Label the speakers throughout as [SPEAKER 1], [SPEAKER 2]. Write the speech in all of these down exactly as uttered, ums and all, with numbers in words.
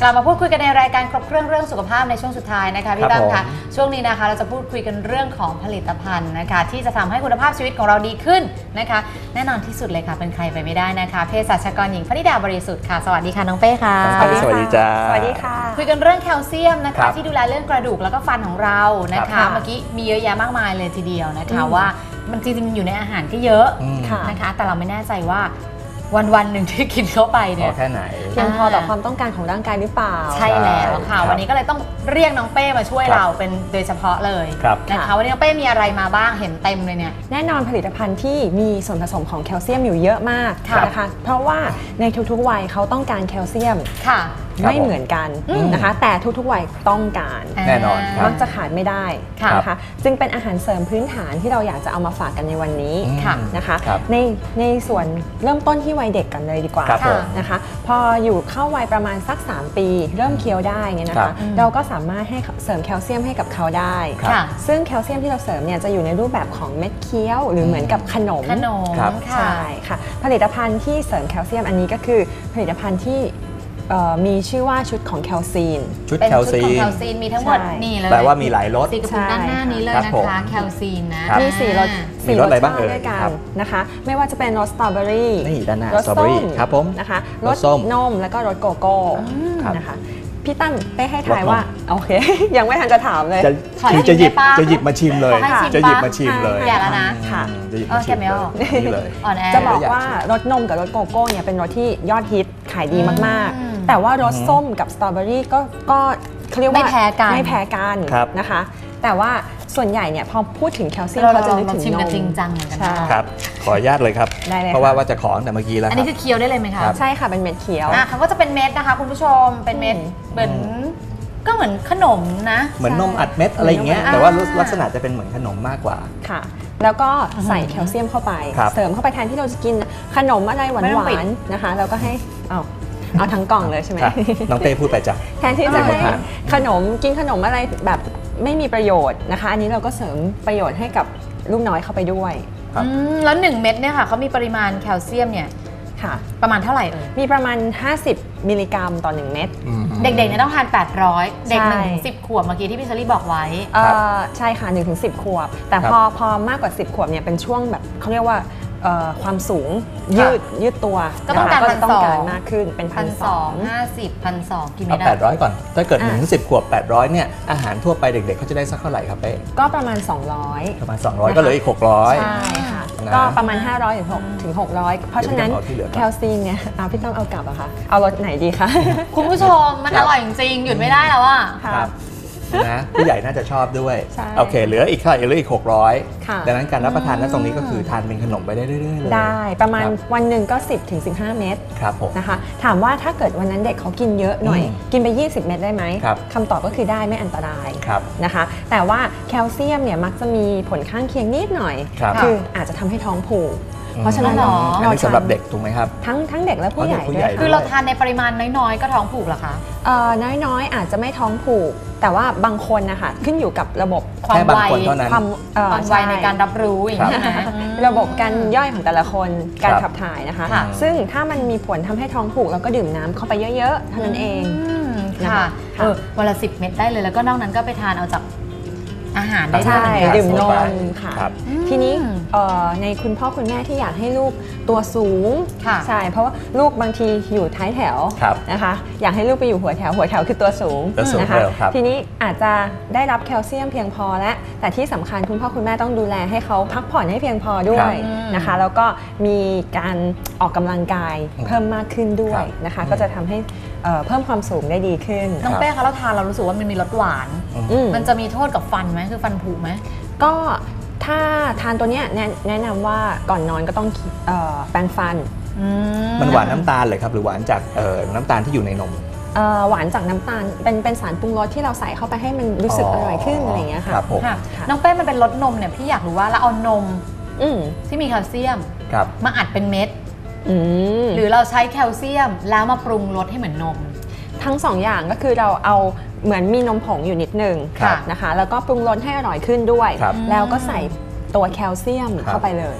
[SPEAKER 1] กลับมาพูดคุยกันในรายการครบเครื่องเรื่องสุขภาพในช่วงสุดท้ายนะคะพี่ตั้มคะช่วงนี้นะคะเราจะพูดคุยกันเรื่องของผลิตภัณฑ์นะคะที่จะทำให้คุณภาพชีวิตของเราดีขึ้นนะคะแน่นอนที่สุดเลยค่ะเป็นใครไปไม่ได้นะคะเภสัชกรหญิงพนิดาบริสุทธิ์ค่ะสวัสดีค่ะน้องเป้ค่ะ
[SPEAKER 2] สวัสดีจ้า
[SPEAKER 1] สวัสดีค่ะคุยกันเรื่องแคลเซียมนะคะที่ดูแลเรื่องกระดูกแล้วก็ฟันของเรานะคะเมื่อกี้มีเยอะแยะมากมายเลยทีเดียวนะคะว่ามันจริงๆอยู่ในอาหารก็เยอะนะคะแต่เราไม่แน่ใจว่าวันวันหนึ่งที่กินเข้าไปเนี่ย
[SPEAKER 2] แค่ไหน
[SPEAKER 3] เพียงพอต่อความต้องการของร่างกายหรือเปล่า
[SPEAKER 1] ใช่แล้วค่ะวันนี้ก็เลยต้องเรียกน้องเป้มาช่วยเราเป็นโดยเฉพาะเลยนะคะวันนี้น้องเป้มีอะไรมาบ้างเห็นเต็มเลยเนี่ย
[SPEAKER 3] แน่นอนผลิตภัณฑ์ที่มีส่วนผสมของแคลเซียมอยู่เยอะมากนะคะเพราะว่าในทุกๆวัยเขาต้องการแคลเซียมไม่เหมือนกันนะคะแต่ทุกๆวัยต้องการ
[SPEAKER 2] แน่นอน
[SPEAKER 3] มักจะขาดไม่ได้นะคะจึงเป็นอาหารเสริมพื้นฐานที่เราอยากจะเอามาฝากกันในวันนี้นะคะในในส่วนเริ่มต้นที่วัยเด็กกันเลยดีกว่านะคะพออยู่เข้าวัยประมาณสักสามปีเริ่มเคี้ยวได้เนี่ยนะคะเราก็สามารถให้เสริมแคลเซียมให้กับเขาได้ซึ่งแคลเซียมที่เราเสริมเนี่ยจะอยู่ในรูปแบบของเม็ดเคี้ยวหรือเหมือนกับขนม
[SPEAKER 1] ขนม
[SPEAKER 3] ใช่ค่ะผลิตภัณฑ์ที่เสริมแคลเซียมอันนี้ก็คือผลิตภัณฑ์ที่มีชื่อว่าชุดของแคลซีน
[SPEAKER 2] ชุดแคลซีน
[SPEAKER 1] มีทั้งหมดนี่เลย
[SPEAKER 2] แปลว่ามีหลายรส
[SPEAKER 1] สีกระปุกด้านหน้านี้เลยนะคะแคลซีนนะ
[SPEAKER 3] มีสี่รส
[SPEAKER 2] สี่รสอะไรบ้างเอ่ย
[SPEAKER 3] นะคะไม่ว่าจะเป็นรสสตรอเบอรี่
[SPEAKER 2] นี่ด้านหน้ารสสตรอเบอรี่ครับผม
[SPEAKER 3] นะคะรสนมแล้วก็รสโกโก้นะคะพี่ตั้มไปให้ทายว่าโอเคยังไม่ทันจะถามเลย
[SPEAKER 2] คือจะหยิบจะหยิบมาชิมเลยจะหยิบมาชิมเลย
[SPEAKER 1] อย่าแล้วนะ
[SPEAKER 3] ค่ะ
[SPEAKER 2] จะหยิบมาชิมเลย
[SPEAKER 3] จะบอกว่ารสนมกับรสโกโก้เนี่ยเป็นรสที่ยอดฮิตขายดีมากๆแต่ว่ารสส้มกับสตรอเบอรี่ก็ก็เขาเรียกว่า
[SPEAKER 1] ไม่แพ้กัน
[SPEAKER 3] ไม่แพ้กันนะคะแต่ว่าส่วนใหญ่เนี่ยพอพูดถึงแคลเซียม
[SPEAKER 1] เรา
[SPEAKER 3] จะนึกถึง
[SPEAKER 1] นมจริงจังเหมือนกัน
[SPEAKER 2] ครับขออนุญาตเลยครับเพราะว่าว่าจะขอแต่เมื่อกี้แล้ว
[SPEAKER 1] อันนี้คือเคี้ยวได้เลยไหมคะ
[SPEAKER 3] ใช่ค่ะเป็นเม็ดเคี้ยว
[SPEAKER 1] อ่ะเขาก็จะเป็นเม็ดนะคะคุณผู้ชมเป็นเม็ดเหมือนก็เหมือนขนมนะ
[SPEAKER 2] เหมือนนมอัดเม็ดอะไรอย่างเงี้ยแต่ว่าลักษณะจะเป็นเหมือนขนมมากกว่า
[SPEAKER 3] ค่ะแล้วก็ใส่แคลเซียมเข้าไปเสริมเข้าไปแทนที่เราจะกินขนมอะไรหวานๆนะคะแล้วก็ให้เอาเอาทั้งกล่องเลยใช่ไหม
[SPEAKER 2] น้องเต้พูดไปจ้ะ
[SPEAKER 3] แทนที่จะให้ขนมกินขนมอะไรแบบไม่มีประโยชน์นะคะอันนี้เราก็เสริมประโยชน์ให้กับลูกน้อยเข้าไปด้วย
[SPEAKER 1] แล้วหนึ่งเม็ดเนี่ยค่ะเขามีปริมาณแคลเซียมเนี่ยประมาณเท่าไหร่เอ่ย
[SPEAKER 3] มีประมาณห้าสิบมิลลิกรัมต่อหนึ่งเม็ด
[SPEAKER 1] เด็กๆเนี่ยต้องทานแปดร้อยเด็กหนึ่งถึงสิบขวบเมื่อกี้ที่พี่เชอรี่บอกไว้
[SPEAKER 3] ใช่ค่ะหนึ่งถึงสิบขวบแต่พอพอมากกว่าสิบขวบเนี่ยเป็นช่วงแบบเขาเรียกว่าความสูงยืดยืดตัว
[SPEAKER 1] ก็ต้องการพันสอง
[SPEAKER 3] มากขึ้นเป็นพันสอง
[SPEAKER 1] ห้าสิบพันสองกินไม่ได้
[SPEAKER 2] แปดร้อยก่อนถ้าเกิดหนึ่งถึงสิบขวบแปดร้อยเนี่ยอาหารทั่วไปเด็กๆเขาจะได้สักเท่าไหร่ครับเป้
[SPEAKER 3] ก็ประมาณสองร้อย
[SPEAKER 2] ประมาณสองร้อยก็เหลืออีกหกร้อย
[SPEAKER 3] ใช่ค่ะก็ประมาณห้าร้อยถึงหกร้อยเพราะฉะนั้นแคลซีนเนี่ยพี่ต้องเอากลับอะค่ะเอารสไหนดีคะ
[SPEAKER 1] คุณผู้ชมมันอร่อยจริงๆหยุดไม่ได้แล้วอะ
[SPEAKER 2] ครับนะผู้ใหญ่น่าจะชอบด้วยโอเคเหลืออีกเท่าไหร่เหลืออีกหกร้อยดังนั้นการรับประทานณตรงนี้ก็คือทานเป็นขนมไปได้เรื่อยๆเลย
[SPEAKER 3] ได้ประมาณวันหนึ่งก็สิบถึงสิบห้าเม็ด
[SPEAKER 2] ครับผม
[SPEAKER 3] นะคะถามว่าถ้าเกิดวันนั้นเด็กเขากินเยอะหน่อยกินไปยี่สิบเม็ดได้ไหมคำตอบก็คือได้ไม่อันตรายนะคะแต่ว่าแคลเซียมเนี่ยมักจะมีผลข้างเคียงนิดหน่อยคืออาจจะทำให้ท้องผูกเพราะฉะนั้น
[SPEAKER 2] เราสำหรับเด็กถูกไหมครับ
[SPEAKER 3] ทั้งทั้งเด็กและผู้ใหญ่ด้วย
[SPEAKER 1] คือเราทานในปริมาณน้อยๆก็ท้องผูกเหรอคะ
[SPEAKER 3] เอ่อน้อยๆอาจจะไม่ท้องผูกแต่ว่าบางคนนะคะขึ้นอยู่กับระบบ
[SPEAKER 1] ความไว
[SPEAKER 3] ความ
[SPEAKER 1] ความไวในการรับรู้อย่างนี้ใช่ไหม
[SPEAKER 3] ระบบการย่อยของแต่ละคนการขับถ่ายนะคะซึ่งถ้ามันมีผลทำให้ท้องผูกเราก็ดื่มน้ำเข้าไปเยอะๆเท่านั้นเอง
[SPEAKER 1] ค่ะเออวันละสิบเม็ดได้เลยแล้วก็นอกนั้นก็ไปทานเอาจากอาหารได้
[SPEAKER 3] ใช่ดื่มนมค่ะทีนี้ในคุณพ่อคุณแม่ที่อยากให้ลูกตัวสูงใช่เพราะว่าลูกบางทีอยู่ท้ายแถวนะคะอยากให้ลูกไปอยู่หัวแถวหัวแถวคือตัวสูงนะคะทีนี้อาจจะได้รับแคลเซียมเพียงพอและแต่ที่สำคัญคุณพ่อคุณแม่ต้องดูแลให้เขาพักผ่อนให้เพียงพอด้วยนะคะแล้วก็มีการออกกำลังกายเพิ่มมากขึ้นด้วยนะคะก็จะทำให้เพิ่มความสูงได้ดีขึ้น
[SPEAKER 1] น้องเป้คะเราทานเรารู้สึกว่ามันมีรสหวานมันจะมีโทษกับฟันไหมคือฟันผุไหม
[SPEAKER 3] ก็ถ้าทานตัวนี้แนะนำว่าก่อนนอนก็ต้องแปรงฟัน
[SPEAKER 2] มันหวานน้ำตาลเลยครับหรือหวานจากน้ำตาลที่อยู่ในนม
[SPEAKER 3] หวานจากน้ำตาลเป็นเป็นสารปรุงรสที่เราใส่เข้าไปให้มันรู้สึกอร่อยขึ้นอะไรอย่างเงี้ยค่ะ
[SPEAKER 1] น้องเป้มันเป็นรสนมเนี่ยพี่อยากรู้ว่าเราเอานมที่มีแคลเซียมมาอัดเป็นเม็ดหรือเราใช้แคลเซียมแล้วมาปรุงรสให้เหมือนนม
[SPEAKER 3] ทั้งสองอย่างก็คือเราเอาเหมือนมีนมผงอยู่นิดนึงนะคะแล้วก็ปรุงรสให้อร่อยขึ้นด้วยแล้วก็ใส่ตัวแคลเซียมเข้าไปเลย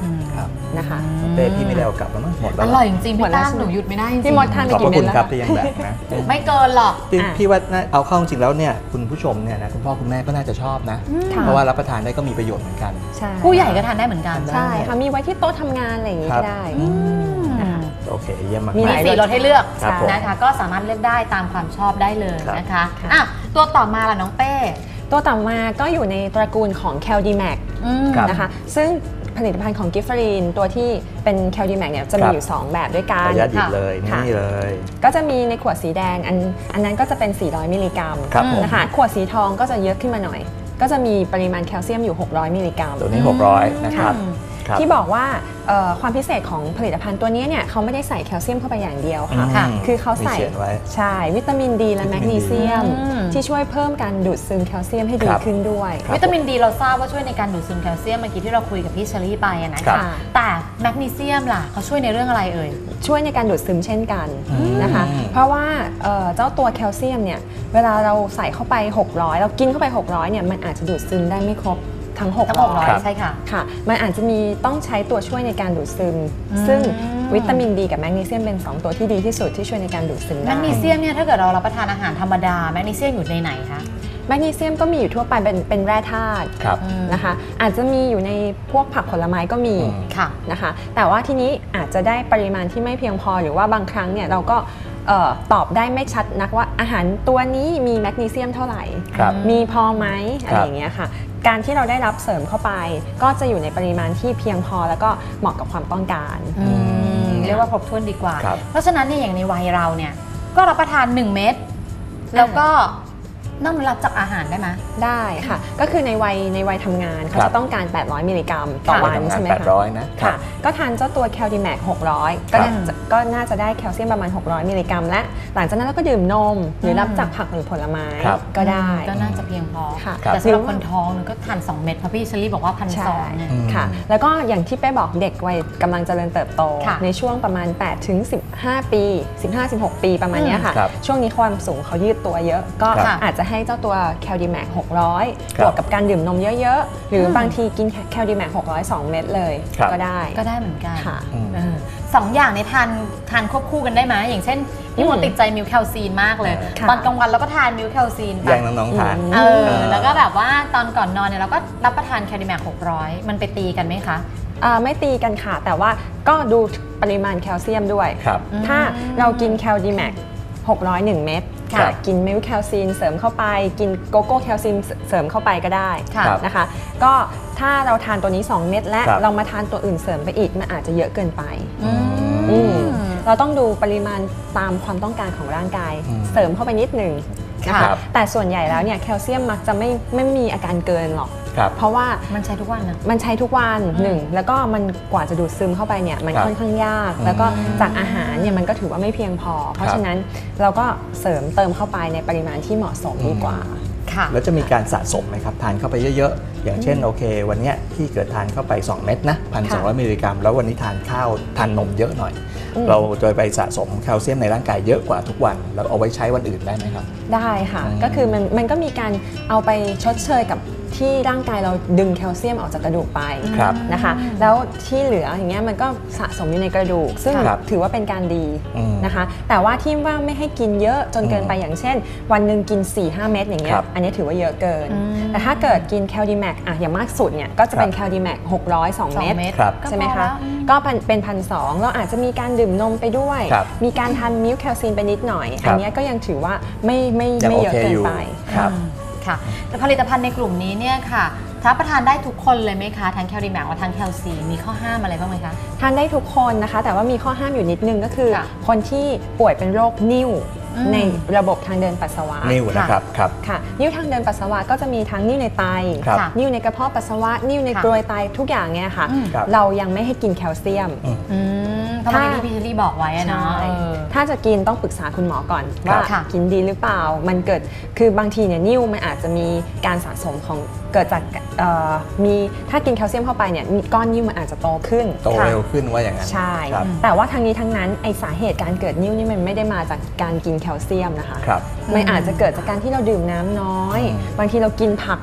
[SPEAKER 2] ครับ
[SPEAKER 3] นะคะ
[SPEAKER 2] เต้พี่ไม่ได้เอากลับแล้วมั้งหมดแล้ว
[SPEAKER 1] อร่อยจริงๆ
[SPEAKER 3] หมด
[SPEAKER 1] พี่
[SPEAKER 3] แล้ว
[SPEAKER 1] ตั้มหนูหยุดไม่ได้จริงๆ
[SPEAKER 3] พี่มดทานไป
[SPEAKER 2] ขอบพ
[SPEAKER 3] กี่
[SPEAKER 2] ระ
[SPEAKER 3] เม็
[SPEAKER 2] คุ
[SPEAKER 3] ด
[SPEAKER 2] ณ
[SPEAKER 3] แล้ว
[SPEAKER 2] ครับ
[SPEAKER 3] คะ
[SPEAKER 2] ที่ยังแบ่งนะ
[SPEAKER 1] ไม่เกินหรอก
[SPEAKER 2] พี่
[SPEAKER 3] อ่ะ
[SPEAKER 2] พี่ว่าน่าเอาเข้าจริงแล้วเนี่ยคุณผู้ชมเนี่ยนะคุณพ่อคุณแม่ก็น่าจะชอบนะ
[SPEAKER 3] ค่ะ
[SPEAKER 2] เพราะว่ารับประทานได้ก็มีประโยชน์เหมือนกัน
[SPEAKER 3] ใช่
[SPEAKER 1] ผู้ใหญ่ก็ทานได้เหมือนกัน
[SPEAKER 3] ใช่ค่ะมีไว้ที่โต๊ะทำงานอะไรอย่างนี้
[SPEAKER 2] ครั
[SPEAKER 3] ก็
[SPEAKER 2] บ
[SPEAKER 3] ได้
[SPEAKER 1] อืม
[SPEAKER 3] นะคะ
[SPEAKER 2] โอเคเยี่ยมมาก
[SPEAKER 3] มี
[SPEAKER 1] มี
[SPEAKER 3] หลาย
[SPEAKER 1] สี่รสให้เลือก
[SPEAKER 2] ครับผม
[SPEAKER 1] นะคะก็สามารถเลือกได้ตามความชอบได้เลย
[SPEAKER 2] ครับ
[SPEAKER 1] นะคะ
[SPEAKER 3] ค่ะ
[SPEAKER 1] อ่ะตัวต่อมาล่ะน้องเป้
[SPEAKER 3] ตัวต่อมาก็อยู่ในตระกูลของ Caldimac
[SPEAKER 1] อืม
[SPEAKER 2] ครับ
[SPEAKER 3] นะคะซึ่งผลิตภัณฑ์ของกิฟฟรีนตัวที่เป็น Caldimac เนี่ยจะมีอยู่ สอง แบบด้วยกั
[SPEAKER 2] ขอน อนุญาตหยิบเลย
[SPEAKER 3] ค่ะ
[SPEAKER 2] นี่เลย
[SPEAKER 3] ก็จะมีในขวดสีแดงอันอันนั้นก็จะเป็น สี่ร้อย มิลลิกรัม
[SPEAKER 2] ครับผม
[SPEAKER 3] นะคะขวดสีทองก็จะเยอะขึ้นมาหน่อย ก็จะมีปริมาณแคลเซียมอยู่ หกร้อย มิลลิกรัม
[SPEAKER 2] ตัวนี้หกร้อยนะครับครับ
[SPEAKER 3] ที่บอกว่าเอ่อความพิเศษของผลิตภัณฑ์ตัวนี้เนี่ยเขาไม่ได้ใส่แคลเซียมเข้าไปอย่างเดียวค่ะ
[SPEAKER 2] อืม
[SPEAKER 3] คือเขาใส่
[SPEAKER 2] มีเขียนไว้
[SPEAKER 3] ใช่วิตามินดีและ
[SPEAKER 2] วิ
[SPEAKER 3] แม
[SPEAKER 2] ตาก มิน
[SPEAKER 3] นีเซียม
[SPEAKER 1] อืม
[SPEAKER 3] ที่ช่วยเพิ่มการดูดซึมแคลเซียมให้ดี
[SPEAKER 2] ครับ
[SPEAKER 3] ขึ้นด้วย
[SPEAKER 2] ครับ
[SPEAKER 1] วิตามินดีเราทราบว่าช่วยในการดูดซึมแคลเซียมเมื่อกี้ที่เราคุยกับพี่เชอรี่ไปอะนะ
[SPEAKER 2] ครั
[SPEAKER 1] คะ
[SPEAKER 2] บ
[SPEAKER 1] แต่แมกนีเซียมล่ะเขาช่วยในเรื่องอะไรเอ่ย
[SPEAKER 3] ช่วยในการดูดซึมเช่นกัน
[SPEAKER 2] อืม
[SPEAKER 3] นะคะ เพราะว่าเอ่อเจ้าตัวแคลเซียมเนี่ยเวลาเราใส่เข้าไป หกร้อย เรากินเข้าไป หกร้อยเนี่ยมันอาจจะดูดซึมได้ไม่ครบทั้ง
[SPEAKER 1] ทั้งหกร้อย
[SPEAKER 3] หกร้อย
[SPEAKER 1] ใช่ค่ะ
[SPEAKER 3] ค่ะ มันอาจจะมีต้องใช้ตัวช่วยในการดูดซึม
[SPEAKER 1] อืม
[SPEAKER 3] ซึ่งวิตามินดีกับแมกนีเซียมเป็น สอง ตัวที่ดีที่สุดที่ช่วยในการดูดซึม
[SPEAKER 1] แม
[SPEAKER 3] ได้
[SPEAKER 1] กนีเซียมเนี่ยถ้าเกิดเรารับประทานอาหารธรรมดาแมกนีเซียมอยู่ในไหนคะ
[SPEAKER 3] แมกนีเซียมก็มีอยู่ทั่วไปเป็นเป็นแร่ธาตุ
[SPEAKER 2] ครับ
[SPEAKER 3] นะคะ อาจจะมีอยู่ในพวกผักผลไม้ก็มี
[SPEAKER 2] อืม
[SPEAKER 1] ค่ะ
[SPEAKER 3] นะคะ แต่ว่าทีนี้อาจจะได้ปริมาณที่ไม่เพียงพอหรือว่าบางครั้งเนี่ยเราก็เอ่อตอบได้ไม่ชัดนักว่าอาหารตัวนี้มีแมกนีเซียมเท่าไหร่
[SPEAKER 2] ครับ
[SPEAKER 3] มีพอไหมอะ
[SPEAKER 2] ครั
[SPEAKER 3] ไร
[SPEAKER 2] บ
[SPEAKER 3] อย่างเงี้ยค่ะ การที่เราได้รับเสริมเข้าไป ก็จะอยู่ในปริมาณที่เพียงพอแล้วก็เหมาะกับความต้องการ
[SPEAKER 1] อืมเรียกว่าครบถ้วนดีกว่า
[SPEAKER 2] ครับ
[SPEAKER 1] เพราะฉะนั้นเนี่ยอย่างในวัยเราเนี่ยก็รับประทาน หนึ่ง เม็ดแล้วก็นอกรับจากอาหารได้ไหม
[SPEAKER 3] ได้ค่ะ ก็คือในวัยในวัยทำงานเขา
[SPEAKER 2] ครับ
[SPEAKER 3] จะต้องการ แปดร้อย มิลลิกรัมต่อวัน
[SPEAKER 2] ทำงาน
[SPEAKER 3] ใช่ไหม
[SPEAKER 2] แปดร้
[SPEAKER 3] คะ
[SPEAKER 2] อยนะครั
[SPEAKER 3] ค่ะ
[SPEAKER 2] บ
[SPEAKER 3] ก็ทานเจ้าตัวแคลดิแมกหกร้อยก็
[SPEAKER 2] ครับ
[SPEAKER 3] น่าจะก็น่าจะได้แคลเซียมประมาณ หกร้อย มิลลิกรัมและหลังจากนั้นเราก็ดื่มนม หรือรับจากผักหรือผลไม้
[SPEAKER 2] ครับ
[SPEAKER 3] ก็ได้
[SPEAKER 1] ก็น่าจะเพียงพอ
[SPEAKER 3] ค่ะ
[SPEAKER 1] แต่สำหรับคนท้องเนี่ยก็ทานสองเม็ดเพราะพี่เชอรี่บอกว่าพันส
[SPEAKER 3] ใช่
[SPEAKER 1] องเนี่ย
[SPEAKER 2] อืม
[SPEAKER 3] ค่ะ แล้วก็อย่างที่เป้บอกเด็กวัยกำลังเจริญเติบโต
[SPEAKER 1] ค่ะ
[SPEAKER 3] ในช่วงประมาณ แปดถึงสิบห้า ปี สิบห้าถึงสิบหก ปีประมาณเนี้ยค่ะ
[SPEAKER 2] ครับ
[SPEAKER 3] ช่วงนี้ความสูงเขายืดตัวเยอะ ก็
[SPEAKER 2] ครับ
[SPEAKER 3] อาจจะให้เจ้าตัวแคลดิแมกหกร้อย
[SPEAKER 2] ครับ
[SPEAKER 3] บวกกับการดื่มนมเยอะๆ หรืออ
[SPEAKER 1] ม
[SPEAKER 3] บางทีกินแคลดิแมกหกร้อย สอง เม็ดเลย
[SPEAKER 2] ครับ
[SPEAKER 3] ก็ได้
[SPEAKER 1] ก็ได้เหมือนกัน
[SPEAKER 3] ค่ะ
[SPEAKER 2] อืม
[SPEAKER 1] เออสองอย่างในทานทานควบคู่กันได้ไหมอย่างเช่นพี่มนต์ติดใจมิลค์แคลซีนมากเลย
[SPEAKER 3] ค่ะ
[SPEAKER 1] ตอนกลางวันเราก็ทานมิลค์แคลซีนไป
[SPEAKER 2] แย่งน้องๆทาน
[SPEAKER 1] เออ
[SPEAKER 2] เออ
[SPEAKER 1] แล้วก็แบบว่าตอนก่อนนอนเนี่ยเราก็รับประทานแคลดิแมกหกร้อยมันไปตีกันไหมคะ
[SPEAKER 3] อ่าไม่ตีกันค่ะ แต่ว่าก็ดูปริมาณแคลเซียมด้วย
[SPEAKER 2] ครับ
[SPEAKER 3] ถ้าเรากินแคลดิแมกหกร้อย หนึ่ง เม็ด
[SPEAKER 2] ครั
[SPEAKER 3] ค่ะ
[SPEAKER 2] บ
[SPEAKER 3] กินมิลค์แคลซีนเสริมเข้าไป กินโกโก้แคลซีนเสริมเข้าไปก็ได้
[SPEAKER 1] ค่ะ
[SPEAKER 2] ครับ
[SPEAKER 3] นะคะ ก็ถ้าเราทานตัวนี้ สอง เม็ดและ
[SPEAKER 2] ครับ
[SPEAKER 3] เรามาทานตัวอื่นเสริมไปอีกมันอาจจะเยอะเกินไป
[SPEAKER 1] อืม
[SPEAKER 3] อืมเราต้องดูปริมาณตามความต้องการของร่างกาย
[SPEAKER 2] อืม
[SPEAKER 3] เสริมเข้าไปนิดหนึ่งนะ
[SPEAKER 2] ครั
[SPEAKER 3] คะ
[SPEAKER 2] บ
[SPEAKER 3] แต่ส่วนใหญ่แล้วเนี่ยแคลเซียมมักจะไม่ไม่มีอาการเกินหรอก
[SPEAKER 2] ครับ
[SPEAKER 3] เพราะว่า
[SPEAKER 1] มันใช้ทุกวันนะ
[SPEAKER 3] มันใช้ทุกวันหนึ่งแล้วก็มันกว่าจะดูดซึมเข้าไปเนี่ยมัน
[SPEAKER 2] ครับ
[SPEAKER 3] ค่อนข้างยาก
[SPEAKER 2] อืม
[SPEAKER 3] แล้วก็จากอาหารเนี่ยมันก็ถือว่าไม่เพียงพอ เพราะฉะนั้นเราก็เสริมเติมเข้าไปในปริมาณที่เหมาะสมดีกว่า
[SPEAKER 1] ค่ะ
[SPEAKER 2] แล้วจะมีการสะสมไหมครับทานเข้าไปเยอะๆ อย่างเช่นโอเค วันเนี้ยที่เกิดทานเข้าไป สอง เม็ดนะพันสองร้อยมิลลิกรัมแล้ววันนี้ทานข้าวทานนมเยอะหน่อย
[SPEAKER 3] อืม
[SPEAKER 2] เราจะไปสะสมแคลเซียมในร่างกายเยอะกว่าทุกวันแล้วเอาไว้ใช้วันอื่นได้ไหมครับ
[SPEAKER 3] ได้ค่ะ
[SPEAKER 2] อืม
[SPEAKER 3] ก็คือมันมันก็มีการเอาไปชดเชยกับที่ร่างกายเราดึงแคลเซียมออกจากกระดูกไป
[SPEAKER 2] ครับ
[SPEAKER 3] นะคะ แล้วที่เหลืออย่างเงี้ยมันก็สะสมอยู่ในกระดูก ซึ่ง
[SPEAKER 2] ครับ
[SPEAKER 3] ถือว่าเป็นการดี
[SPEAKER 2] อืม
[SPEAKER 3] นะคะ แต่ว่าที่ว่าไม่ให้กินเยอะจนเกินไป
[SPEAKER 2] อืม
[SPEAKER 3] อย่างเช่น วันหนึ่งกิน สี่ห้า เม็ดอย่างเงี้
[SPEAKER 2] ค
[SPEAKER 3] ย
[SPEAKER 2] รับ
[SPEAKER 3] อันนี้ถือว่าเยอะเกิน
[SPEAKER 1] อืม
[SPEAKER 3] แต่ถ้าเกิดกินแคลดิแมกอะอย่างมากสุดเนี่ยก็จะเป็น
[SPEAKER 2] ครับ
[SPEAKER 3] แคลดิแมกหกร้อย สอง
[SPEAKER 1] สอง
[SPEAKER 3] เม็ด
[SPEAKER 1] เม็ด
[SPEAKER 2] ครับ
[SPEAKER 1] ก็
[SPEAKER 3] ใช่ไหม
[SPEAKER 1] พอ
[SPEAKER 3] คะ
[SPEAKER 1] แล้วอืม
[SPEAKER 3] ก็เป็นพันสองเราอาจจะมีการดื่มนมไปด้วย
[SPEAKER 2] ครับ
[SPEAKER 3] มีการทานมิลค์แคลซีนไปนิดหน่อย
[SPEAKER 2] ครับ
[SPEAKER 3] อันเนี้ยก็ยังถือว่าไม่ไม่
[SPEAKER 2] ยัง
[SPEAKER 3] ไม่
[SPEAKER 2] โอ
[SPEAKER 3] เยอะ
[SPEAKER 2] เค
[SPEAKER 3] เกิ
[SPEAKER 2] อน ยู่
[SPEAKER 3] ไป
[SPEAKER 2] ครับ
[SPEAKER 1] อืมค่ะแต่ผลิตภัณฑ์ในกลุ่มนี้เนี่ยค่ะรับประทานได้ทุกคนเลยไหมคะทั้งแคลดิแมกและทั้งแคลซีมีข้อห้ามอะไรบ้างไหมคะ
[SPEAKER 3] ทานได้ทุกคนนะคะ แต่ว่ามีข้อห้ามอยู่นิดนึงก็คือ
[SPEAKER 1] ค่ะ
[SPEAKER 3] คนที่ป่วยเป็นโรคนิ่ว
[SPEAKER 1] อืม
[SPEAKER 3] ในระบบทางเดินปัสสาวะ
[SPEAKER 2] นิ่วนะครับครับ
[SPEAKER 3] ค่ะนิ่วทางเดินปัสสาวะก็จะมีทั้งนิ่วในไต
[SPEAKER 2] ครับ
[SPEAKER 1] ค่ะ
[SPEAKER 3] นิ่วในกระเพาะปัสสาวะนิ่วใน
[SPEAKER 1] ค่ะ
[SPEAKER 3] กรวยไตทุกอย่างเนี่ยค่ะ
[SPEAKER 1] อืม
[SPEAKER 2] ครับ
[SPEAKER 3] เรายังไม่ให้กินแคลเซียม
[SPEAKER 2] อืม
[SPEAKER 1] อืมเพราะเมื่อกี้ที่พี่เชอรี่บอกไว้อะเนาะ
[SPEAKER 3] ใช่
[SPEAKER 1] เออ
[SPEAKER 3] ถ้าจะกินต้องปรึกษาคุณหมอก่อน
[SPEAKER 2] ครับ
[SPEAKER 3] ว่า
[SPEAKER 1] ค่ะ
[SPEAKER 3] กินดีหรือเปล่า มันเกิดคือบางทีเนี่ยนิ่วมันอาจจะมีการสะสมของเกิดจากเอ่อมีถ้ากินแคลเซียมเข้าไปเนี่ยก้อนนิ่วมันอาจจะโตขึ้น
[SPEAKER 2] โตเร็วขึ้นว่าอย่างนั้น
[SPEAKER 3] ใช่
[SPEAKER 2] ครับ
[SPEAKER 3] แต่ว่าทั้งนี้ทั้งนั้นไอสาเหตุการเกิดนิ่วนี่มันไม่ได้มาจากการกินแคลเซียมนะคะ
[SPEAKER 2] ครับ
[SPEAKER 3] มันอาจจะเกิดจากการที่เราดื่มน้ำน้อย
[SPEAKER 2] อืม
[SPEAKER 3] บางทีเรากินผัก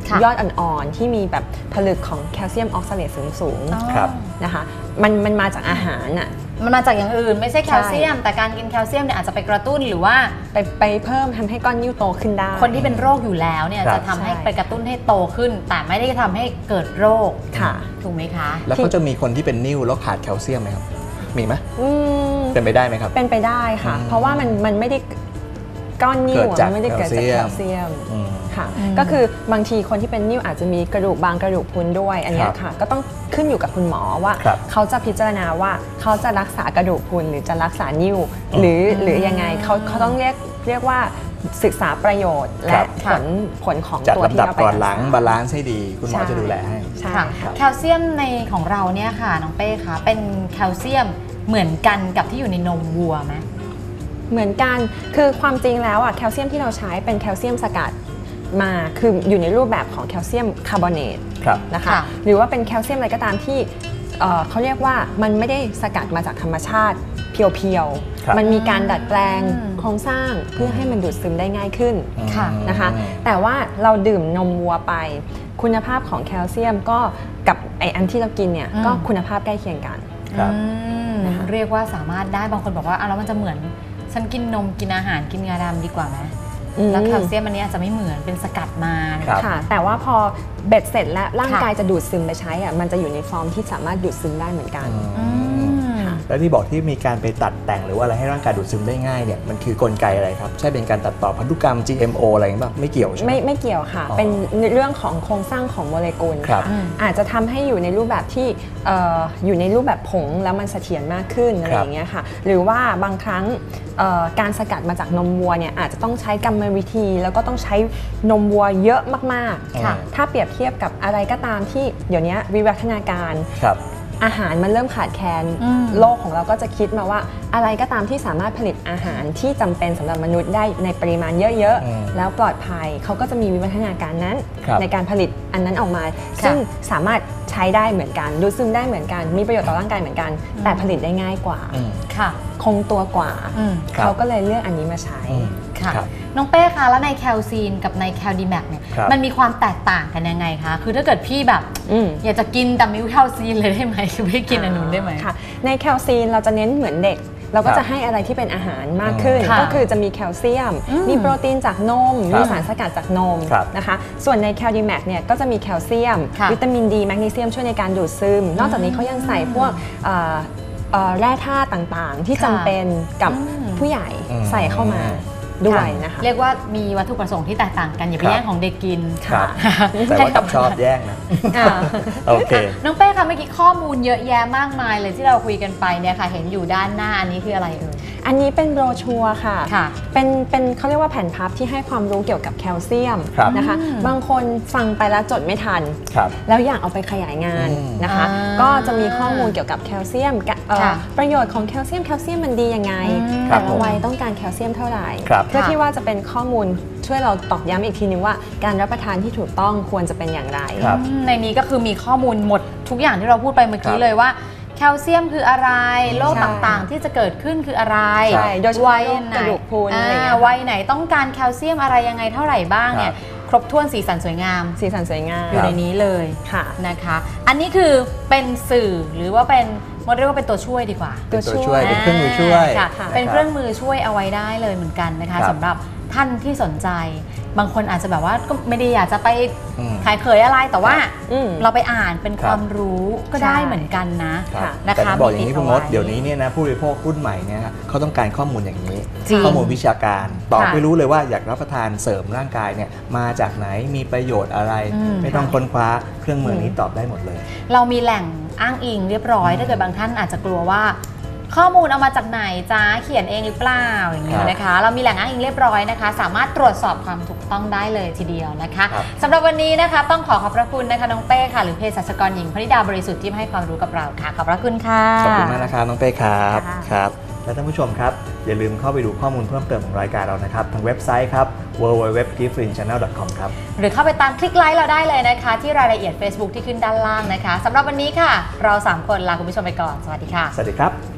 [SPEAKER 3] ยอดอ่อนๆที่มีแบบผลึกของแคลเซียมออกซาเลตสูง
[SPEAKER 2] ครับ
[SPEAKER 3] ๆนะคะมันมันมาจากอาหารอ่ะ
[SPEAKER 1] มันมาจากอย่างอื่นไม่ใช่แคลเซียม แต่การกินแคลเซียมเนี่ยอาจจะไปกระตุ้นหรือว่า
[SPEAKER 3] ไปไปเพิ่มทำให้ก้อนนิ้วโตขึ้นได้
[SPEAKER 1] คนที่เป็นโรคอยู่แล้วเนี่ย
[SPEAKER 2] ครับ
[SPEAKER 1] จะทำให้ไปกระตุ้นให้โตขึ้น แต่ไม่ได้ทำให้เกิดโรค
[SPEAKER 3] ค่ะ
[SPEAKER 1] ถูกไหมคะ
[SPEAKER 2] แล้วเขาจะมีคนที่เป็นนิ่วแล้วขาดแคลเซียมไหมครับมีไหม
[SPEAKER 3] อืม
[SPEAKER 2] เป็นไปได้ไหมครับ
[SPEAKER 3] เป็นไปได้ค่ะ
[SPEAKER 2] อืม
[SPEAKER 3] เพราะว่ามันมันไม่ได้ก้อนนิ้ว
[SPEAKER 2] เกิดจาก
[SPEAKER 3] มันไม่ได้เกิดจาก
[SPEAKER 2] แค
[SPEAKER 3] แค
[SPEAKER 2] ล
[SPEAKER 3] ล
[SPEAKER 2] เซี
[SPEAKER 3] เซี
[SPEAKER 2] ย
[SPEAKER 3] ย
[SPEAKER 2] ม
[SPEAKER 3] ม
[SPEAKER 2] อืม
[SPEAKER 3] ค่ะ
[SPEAKER 1] อืม
[SPEAKER 3] ก็คือบางทีคนที่เป็นนิ้วอาจจะมีกระดูกบางกระดูกพรุนด้วยอันเนี้ย
[SPEAKER 2] ครับ
[SPEAKER 3] ค่ะ ก็ต้องขึ้นอยู่กับคุณหมอว่า
[SPEAKER 2] ครับ
[SPEAKER 3] เขาจะพิจารณาว่าเขาจะรักษากระดูกพรุนหรือจะรักษานิ้ว หรือหรือยังไงเขาเขาต้องเรียกเรียกว่าศึกษาประโยชน์
[SPEAKER 2] ค
[SPEAKER 3] และ
[SPEAKER 2] รับ
[SPEAKER 3] ผลผลของ
[SPEAKER 2] จัด
[SPEAKER 3] ตัวที่
[SPEAKER 2] ลำดับ
[SPEAKER 3] เราไป
[SPEAKER 2] ก่อนหลัง
[SPEAKER 3] รักษา
[SPEAKER 2] บาลานซ์ให้ดี คุณหมอ
[SPEAKER 3] ใช่
[SPEAKER 2] จะดูแลให้
[SPEAKER 3] ใช่
[SPEAKER 1] ค่ะ
[SPEAKER 3] ค่ะ
[SPEAKER 1] แคลเซียมในของเราเนี่ยค่ะน้องเป้คะเป็นแคลเซียมเหมือนกันกับที่อยู่ในนมวัวไหม
[SPEAKER 3] เหมือนกัน คือความจริงแล้วอ่ะแคลเซียมที่เราใช้เป็นแคลเซียมสกัดมาคืออยู่ในรูปแบบของแคลเซียมคาร์บอเนต
[SPEAKER 2] ครับ
[SPEAKER 3] นะคะ
[SPEAKER 1] ค่ะ
[SPEAKER 3] หรือว่าเป็นแคลเซียมอะไรก็ตามที่เอ่อเขาเรียกว่ามันไม่ได้สกัดมาจากธรรมชาติเพียว
[SPEAKER 2] ครับ
[SPEAKER 3] ๆมันมีการดัดแปลง
[SPEAKER 1] อืม
[SPEAKER 3] โครงสร้างเพื่อให้มันดูดซึมได้ง่ายขึ้น
[SPEAKER 1] ค่ะ
[SPEAKER 3] นะคะ แต่ว่าเราดื่มนมวัวไป คุณภาพของแคลเซียมก็กับไออันที่เรากินเนี่ย
[SPEAKER 1] อืม
[SPEAKER 3] ก็คุณภาพใกล้เคียงกัน
[SPEAKER 2] ครับ
[SPEAKER 1] อืม
[SPEAKER 3] นะคะ
[SPEAKER 1] เรียกว่าสามารถได้บางคนบอกว่าอ่ะแล้วมันจะเหมือนฉันกินนมกินอาหารกินงาดำดีกว่าไหมแล้วแคลเซียมอันนี้อาจจะไม่เหมือนเป็นสกัดมา
[SPEAKER 2] ครับ
[SPEAKER 3] ค่ะ แต่ว่าพอเบ็ดเสร็จแล้วร่าง
[SPEAKER 1] ค่ะ
[SPEAKER 3] กายจะดูดซึมไปใช้อะมันจะอยู่ในฟอร์มที่สามารถดูดซึมได้เหมือนกัน
[SPEAKER 1] อืม
[SPEAKER 2] แล้วที่บอกที่มีการไปตัดแต่งหรือว่าอะไรให้ร่างกายดูดซึมได้ง่ายเนี่ยมันคือกลไกอะไรครับ ใช่เป็นการตัดต่อพันธุกรรม จี เอ็ม โอ อะไรอย่างเงี้ยป่ะไม่เกี่ยวใช่ไหม
[SPEAKER 3] ไม่ไม่เกี่ยวค่ะ
[SPEAKER 2] อ๋อ
[SPEAKER 3] เป็นเรื่องของโครงสร้างของโมเลกุล
[SPEAKER 2] ครับ
[SPEAKER 3] ค่ะอาจจะทำให้อยู่ในรูปแบบที่เอ่ออยู่ในรูปแบบผงแล้วมันเสถียรมากขึ้นอะไรอย่างเงี้ยค่ะ หรือว่าบางครั้งเอ่อการสกัดมาจากนมวัวเนี่ยอาจจะต้องใช้กรรมวิธี แล้วก็ต้องใช้นมวัวเยอะมาก
[SPEAKER 2] ค่ะ
[SPEAKER 3] ๆ ถ้าเปรียบเทียบกับอะไรก็ตามที่เดี๋ยวนี้วิวัฒนาการ
[SPEAKER 2] ครับ
[SPEAKER 3] อาหารมันเริ่มขาดแคลน
[SPEAKER 1] อืม
[SPEAKER 3] โลกของเราก็จะคิดมาว่าอะไรก็ตามที่สามารถผลิตอาหารที่จำเป็นสำหรับมนุษย์ได้ในปริมาณเยอะ
[SPEAKER 2] อืม
[SPEAKER 3] ๆ แล้วปลอดภัยเขาก็จะมีวิวัฒนาการนั้น
[SPEAKER 2] ครับ
[SPEAKER 3] ในการผลิตอันนั้นออกมา ซึ่งสามารถใช้ได้เหมือนกันดูดซึมได้เหมือนกัน มีประโยชน์ต่อร่างกายเหมือนกัน แต่ผลิตได้ง่ายกว่า
[SPEAKER 2] อืม
[SPEAKER 1] ค่ะ
[SPEAKER 3] คงตัวกว่า
[SPEAKER 1] อืม
[SPEAKER 2] ครับ
[SPEAKER 3] เขาก็เลยเลือกอันนี้มาใช้
[SPEAKER 2] อืม
[SPEAKER 1] ค่ะ
[SPEAKER 2] ครับ
[SPEAKER 1] น้องเป้คะแล้วในแคลซีนกับในแคลดีแมกเนี่ย
[SPEAKER 2] ครับ
[SPEAKER 1] มันมีความแตกต่างกันยังไงคะคือถ้าเกิดพี่แบบ
[SPEAKER 3] อืม
[SPEAKER 1] อยากจะกินแต่ไม่รู้แคลซีนเลยได้ไหมคือไม่กินอันนู้นได้ไหม
[SPEAKER 3] ค่ะในแคลซีนเราจะเน้นเหมือนเด็ก เราก็
[SPEAKER 2] ครับ
[SPEAKER 3] จะให้อะไรที่เป็นอาหารมากขึ้น
[SPEAKER 1] ค่ะ
[SPEAKER 3] ก็คือจะมีแคลเซียม
[SPEAKER 1] อืม
[SPEAKER 3] มีโปรตีนจากนม
[SPEAKER 2] ครับ
[SPEAKER 3] มีสารสกัดจากนม
[SPEAKER 2] ครับ
[SPEAKER 3] นะคะส่วนในแคลดีแมกเนี่ยก็จะมีแคลเซียม
[SPEAKER 1] ค่ะ
[SPEAKER 3] วิตามินดีแมกนีเซียมช่วยในการดูดซึม นอกจากนี้เขายังใส่พวกเอ่อเอ่อแร่ธาตุต่างๆ ที่
[SPEAKER 1] ค่ะ
[SPEAKER 3] จำเป็นกับ
[SPEAKER 1] อืม
[SPEAKER 3] ผู้ใหญ่
[SPEAKER 2] อืม
[SPEAKER 3] ใส่เข้ามาด้วยนะคะ
[SPEAKER 1] เรียกว่ามีวัตถุประสงค์ที่แตกต่างกันอย่าไป
[SPEAKER 2] ครับ
[SPEAKER 1] แย่งของเด็กกิน
[SPEAKER 2] ครับ
[SPEAKER 1] ค่ะ
[SPEAKER 2] แต่ว่ากับชอบแย่งนะ
[SPEAKER 3] อ่า
[SPEAKER 2] โอเค
[SPEAKER 1] อ่ะน้องเป้คะเมื่อกี้ข้อมูลเยอะแยะมากมายเลยที่เราคุยกันไปเนี่ยค่ะ เห็นอยู่ด้านหน้าอันนี้คืออะไรเอ่ย
[SPEAKER 3] อันนี้เป็นโบรชัวร์ค่ะ
[SPEAKER 1] ค่ะ
[SPEAKER 3] เป็นเป็นเขาเรียกว่าแผ่นพับที่ให้ความรู้เกี่ยวกับแคลเซียม
[SPEAKER 2] ครับ
[SPEAKER 3] นะคะ
[SPEAKER 1] อืม
[SPEAKER 3] บางคนฟังไปแล้วจดไม่ทัน
[SPEAKER 2] ครับ
[SPEAKER 3] แล้วอยากเอาไปขยายงาน
[SPEAKER 2] อืม
[SPEAKER 3] นะคะ
[SPEAKER 1] อ่า
[SPEAKER 3] ก็จะมีข้อมูลเกี่ยวกับแคลเซียมกะเอ่อ
[SPEAKER 1] ค่ะ
[SPEAKER 3] ประโยชน์ของแคลเซียมแคลเซียมมันดียังไง
[SPEAKER 1] อืม
[SPEAKER 3] แต่ละวัยต้องการแคลเซียมเท่าไหร่
[SPEAKER 2] ครับ
[SPEAKER 3] เพื่อ
[SPEAKER 1] ค่ะ
[SPEAKER 3] ที่ว่าจะเป็นข้อมูลช่วยเราตอกย้ำอีกทีนึงว่าการรับประทานที่ถูกต้องควรจะเป็นอย่างไร
[SPEAKER 2] ครับ
[SPEAKER 1] อืมในนี้ก็คือมีข้อมูลหมดทุกอย่างที่เราพูดไปเมื่อกี้
[SPEAKER 2] ครับ
[SPEAKER 1] เลยว่าแคลเซียมคืออะไรโรค
[SPEAKER 3] ใช่
[SPEAKER 1] ต่างๆ ที่จะเกิดขึ้นคืออะไร
[SPEAKER 3] ใช่โดยเฉพาะ
[SPEAKER 1] วัย
[SPEAKER 3] โรค
[SPEAKER 1] ไหน
[SPEAKER 3] กระดูกพรุนอะไรอย่างเงี้ย
[SPEAKER 1] อ่าวัยไหนต้องการแคลเซียมอะไรยังไงเท่าไหร่บ้างเนี่ยครบถ้วนสีสันสวยงาม
[SPEAKER 3] สีสันสวยงาม
[SPEAKER 1] อยู่ในนี้เลย
[SPEAKER 3] ค่ะ
[SPEAKER 1] นะคะ อันนี้คือเป็นสื่อหรือว่าเป็นมันเรียกว่าเป็นตัวช่วยดีกว่า
[SPEAKER 2] เป็นตัวช่วยเป็นเครื่องมือช่วย
[SPEAKER 1] ค่ะ
[SPEAKER 3] ค่ะ
[SPEAKER 1] เป็นเครื่องมือช่วยเอาไว้ได้เลยเหมือนกันนะคะ
[SPEAKER 2] ครับ
[SPEAKER 1] สำหรับท่านที่สนใจ บางคนอาจจะแบบว่าก็ไม่ได้อยากจะไป
[SPEAKER 2] อืม
[SPEAKER 1] ขายเขยอะไรแต่ว่า
[SPEAKER 3] อืม
[SPEAKER 1] เราไปอ่านเป็น
[SPEAKER 2] ค
[SPEAKER 1] ครับ วามรู้ก็ได้
[SPEAKER 3] ใช่
[SPEAKER 1] เหมือนกันนะ
[SPEAKER 2] ครับ
[SPEAKER 1] นะคะ
[SPEAKER 2] แต่ต้องบอกอย่างนี้
[SPEAKER 1] มีติด
[SPEAKER 2] คุณมด
[SPEAKER 1] เอาไว้
[SPEAKER 2] เดี๋ยวนี้เนี่ยนะผู้บริโภครุ่นใหม่เนี่ยฮะเขาต้องการข้อมูลอย่างนี้
[SPEAKER 1] จริง
[SPEAKER 2] ข้อมูลวิชาการตอบ
[SPEAKER 1] ค่ะ
[SPEAKER 2] ไม่รู้เลยว่าอยากรับประทานเสริมร่างกายเนี่ยมาจากไหนมีประโยชน์อะไร
[SPEAKER 1] อืม
[SPEAKER 2] ไม่ต้องค้นคว้าเครื่องมือนี้ตอบได้หมดเลย
[SPEAKER 1] เรามีแหล่งอ้างอิงเรียบร้อย ถ้าเกิดบางท่านอาจจะกลัวว่า ข้อมูลเอามาจากไหนจ้าเขียนเองหรือเปล่าอย่างนี้นะคะ เรามีแหล่งอ้างอิงเรียบร้อยนะคะ สามารถตรวจสอบความถูกต้องได้เลยทีเดียวนะคะ
[SPEAKER 2] ครับ
[SPEAKER 1] สำหรับวันนี้นะคะต้องขอขอบพระคุณนะคะน้องเป้ค่ะหรือเภสัชกรหญิงพนิดาบริสุทธิ์ที่มาให้ความรู้กับเราค่ะขอบพระคุณค่ะ
[SPEAKER 2] ขอบคุณมากนะครับน้องเป้ครับ
[SPEAKER 1] ค่ะ
[SPEAKER 2] ครับและท่านผู้ชมครับ อย่าลืมเข้าไปดูข้อมูลเพิ่มเติมของรายการเรานะครับทางเว็บไซต์ครับ ดับเบิลยู ดับเบิลยู ดับเบิลยู ดอท กิฟต์ฟลิน ชาแนล ดอท คอม ครับ
[SPEAKER 1] หรือเข้าไปตามคลิกไลค์เราได้เลยนะคะ ที่รายละเอียด Facebook ที่ขึ้นด้านล่างนะคะสำหรับวันนี้ค่ะ เราสามคนลาคุณผู้ชมไปก่อนสวัสดีค่ะ
[SPEAKER 2] สวัสดีครับ